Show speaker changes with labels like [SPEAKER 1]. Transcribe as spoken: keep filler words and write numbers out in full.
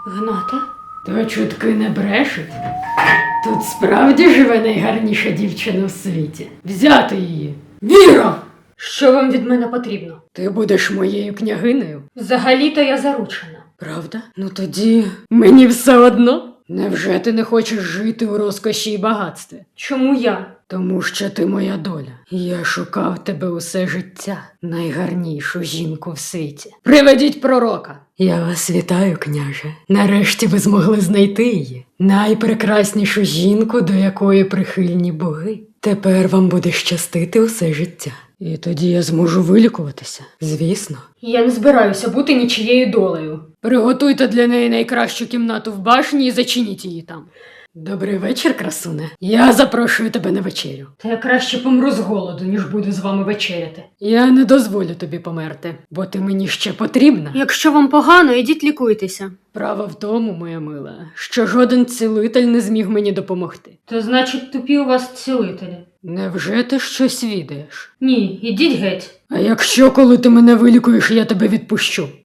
[SPEAKER 1] Гната?
[SPEAKER 2] То чутки не брешуть. Тут справді живе найгарніша дівчина у світі. Взяти її. Віра!
[SPEAKER 1] Що вам від мене потрібно?
[SPEAKER 2] Ти будеш моєю княгинею?
[SPEAKER 1] Взагалі-то я заручена.
[SPEAKER 2] Правда? Ну тоді мені все одно. Невже ти не хочеш жити у розкоші і багатстві?
[SPEAKER 1] Чому я?
[SPEAKER 2] Тому що ти моя доля. Я шукав тебе усе життя, найгарнішу жінку в світі. Приведіть пророка! Я вас вітаю, княже. Нарешті ви змогли знайти її. Найпрекраснішу жінку, до якої прихильні боги. Тепер вам буде щастити усе життя. І тоді я зможу вилікуватися, звісно.
[SPEAKER 1] Я не збираюся бути нічією долею.
[SPEAKER 2] Приготуйте для неї найкращу кімнату в башні і зачиніть її там. Добрий вечір, красуне. Я запрошую тебе на вечерю.
[SPEAKER 1] Та я краще помру з голоду, ніж буду з вами вечеряти.
[SPEAKER 2] Я не дозволю тобі померти, бо ти мені ще потрібна.
[SPEAKER 1] Якщо вам погано, ідіть лікуйтеся.
[SPEAKER 2] Право в тому, моя мила, що жоден цілитель не зміг мені допомогти.
[SPEAKER 1] То значить тупі у вас цілителі.
[SPEAKER 2] Невже ти щось відаєш?
[SPEAKER 1] Ні, ідіть геть.
[SPEAKER 2] А якщо, коли ти мене вилікуєш, я тебе відпущу?